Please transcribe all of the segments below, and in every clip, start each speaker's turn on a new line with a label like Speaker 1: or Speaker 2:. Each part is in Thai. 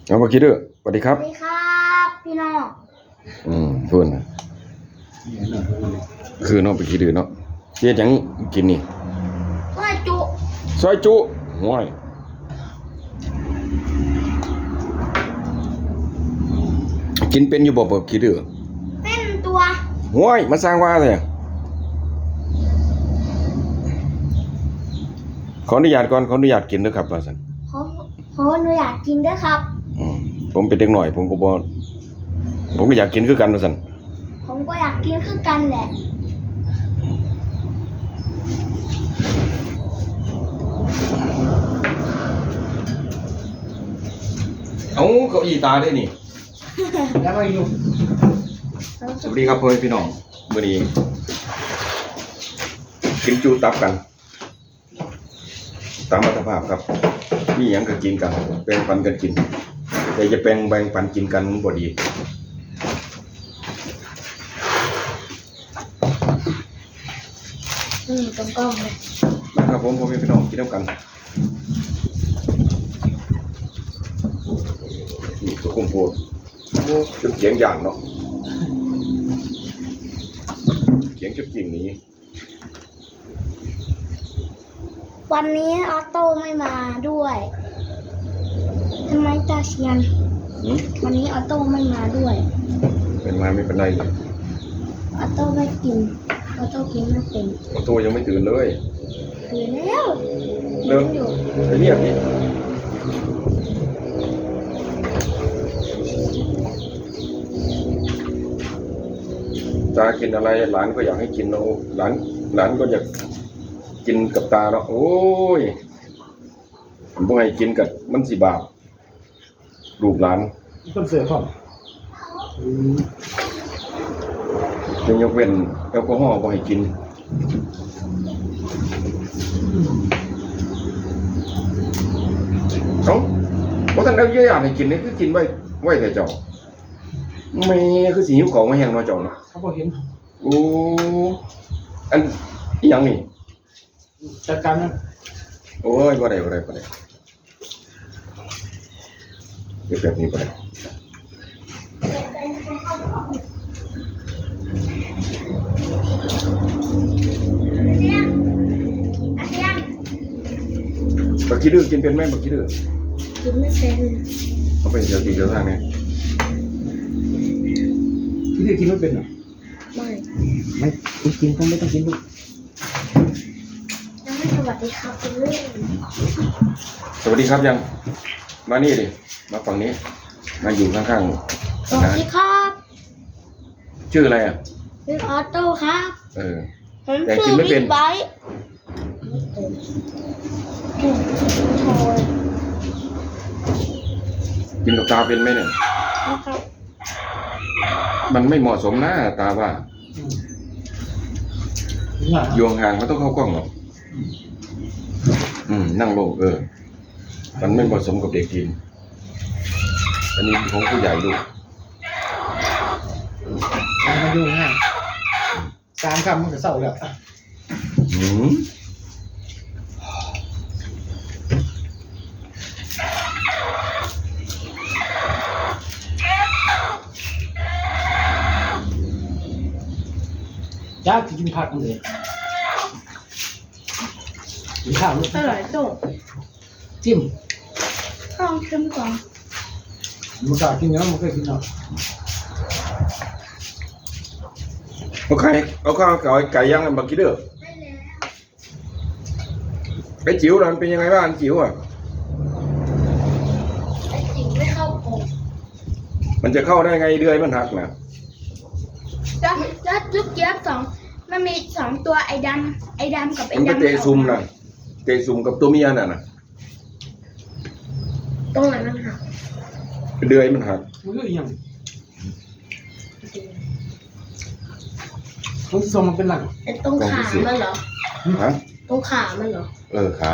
Speaker 1: เอามาคิดด้วยสวัสดีครับ
Speaker 2: สวัสดีครับพี่น้อง
Speaker 1: เพื่อนนะคือน้องไปคิดด้วยเนาะเฮ็ดหยังกินนี่
Speaker 2: ซอยจุ
Speaker 1: ห้วยกินเป็นอยู่บ่คิดด้วย
Speaker 2: เป็นตัว
Speaker 1: ห้วยมาสร้างว่าเลยขออนุญาตก่อนขออนุญาตกินด้วยครับว่าซั่น
Speaker 2: ขออนุญาตกินด้วยครับ
Speaker 1: ผมเป็นเด็กหน่อยผมก็อยากกินคือกันว่าซั่น
Speaker 2: ผมก็อยากกินคือกันแหละ
Speaker 1: เอ้าเก้าอี้ตาได้นี่
Speaker 3: แล้วก็อยู่
Speaker 1: สวัสดีครับพ่อแม่พี่น้องมื้อนี้กินจูตับกันตามอัตภาพครับมีหยังก็กินกันแบ่งปันกันกินแต่จะแบ่งปันกินกันมันบ่ดี
Speaker 2: ตรงกล้องเลย
Speaker 1: นะครับผมพ่อแม่พี่น้องกินน้ำกันนี่ตัวคุมโพดจนเสียงอย่างเนาะเสียงจุดจริงนี้
Speaker 2: วันนี้ออโต้ไม่มาด้วยทำไมตาเชียนวันนี้ออโต้ไม่มาด้วย
Speaker 1: เป็นมาไม่เป็นไรเลย
Speaker 2: ออโต้ไม่กินออโต้กินไม่เป็น
Speaker 1: ออโต้ยังไม่ตื่นเลย
Speaker 2: ตื่นแล้ว
Speaker 1: เริ่มไปเรียกนี่ตากินอะไรหลานก็อยากให้กินเนาะหลานก็อยากกินกับตาเนาะโอ้ยผมบ่ให้กินกับมันสิบาปลูกหลาน
Speaker 3: คนเสือพ่อ
Speaker 1: จะยกเว้นแอลกอฮอล์บ่ให้กินเอ้าบ่ทันได้เยอะอย่างให้กินนี่คือกินไว้แต่เจ้าแม่คือสิหิวของมาแห้งเนาะเจ้าเนาะ
Speaker 3: เขาบ่เห็น
Speaker 1: โอ้อันอีหยังนี่
Speaker 3: จัดการนะ
Speaker 1: โอ้ยบ่ได้เดี๋ยวแบบนี้บ่ได้บักขี้ดื้อกินเป็นไหมบักขี้ดื้อ
Speaker 2: กินไม่เป็น
Speaker 1: เอาไปเดี๋ยวทางนี้
Speaker 3: ที่นี่กินไม่เป็นหรอ
Speaker 2: ไม่
Speaker 3: กินก็ไม่ต้องกินลูก
Speaker 2: ยังไม่สวัสดีครับคุณลูก
Speaker 1: สวัสดีครับยังมานี่ดิมาฝั่งนี้มาอยู่ข้าง
Speaker 2: ๆสวัสดีครับ
Speaker 1: ชื่ออะไรอ่ะ
Speaker 2: ชื่อออโต้ครับผม
Speaker 1: แต่กินไม่เป็นกินกับตาเป็นไหมเนี่ยมันไม่เหมาะสมนะตาว่าอยู่ห่างๆมันต้องเข้ากล้องหรอกนั่งลงมันไม่เหมาะสมกับเด็กกินอันนี้ของผู้ใหญ่ดู
Speaker 3: มาดูง่าย3 คำมันก็เศร้าแล้วจ้ากินผักเลยกินข้าวลูก
Speaker 2: อร่อยจุ๊บ
Speaker 3: จิ้ม
Speaker 2: ข้าวเค็มก่อน
Speaker 3: มันกล้ากินแล้วมันเคยกินหรอก
Speaker 1: เอาข้าวไก่ย่างมากินเด้อไอ้จิ๋วมันเป็นยังไงบ้างจิ๋วอ่ะ
Speaker 2: ไอ้จิ๋วไม่เข้าโกง
Speaker 1: มันจะเข้าได้ไงเดือยมันหักนะ
Speaker 2: จะลูกเจี๊ยบ2มันมี2ตัวไอ้ดำกับไอ้
Speaker 1: มันเตะซุ่มนะเตะซุ่มกับตัวเมียน่ะ
Speaker 2: ตรงไหนมันหัก
Speaker 1: เดือยมันหัก
Speaker 3: มันก็ยังมันทรงมันเป็นหลัง
Speaker 2: ตรงขามันเหรอ
Speaker 1: ฮะ
Speaker 2: ตรงขามันเหรอ
Speaker 1: ขา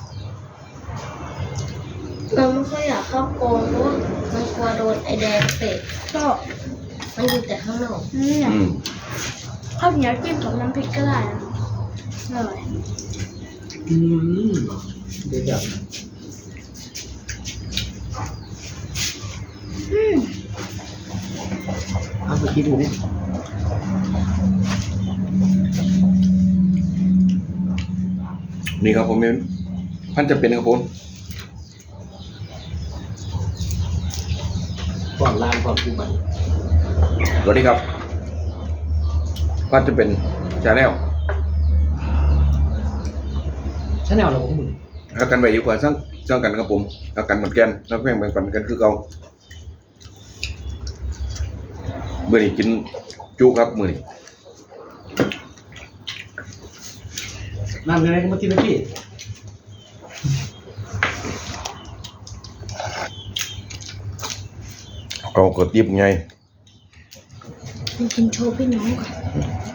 Speaker 2: เราไม่ค่อยอยากเข้าโกงเพราะว่ามันกลัวโดนไอ้แดงเตะก็มันอยู่แต่ข้างนอกข้าวเหนียวจิ้มกับน้ำพริกก็ได้นะอร่อย
Speaker 3: เดี๋ยวไปคิดดูดิ
Speaker 1: นี่ครับผมพันจะเป็นครับผม
Speaker 3: ก่อนลานก่อนกูไป
Speaker 1: สวัสดีครับพันจะเป็นชาแนล
Speaker 3: ฉันแนวเราของมึง
Speaker 1: รักกันไว้ดีกว่าสร้างกันครับผมรักกันเหมือนกันรักแม่งเหมือนกันคือเก่ามื้อนี้กินจุครับมื้อนี้
Speaker 3: น้ำยังไงก็มากินนะพี่
Speaker 1: เอากระติบไง
Speaker 2: กินโชว์พี่น้องก่อน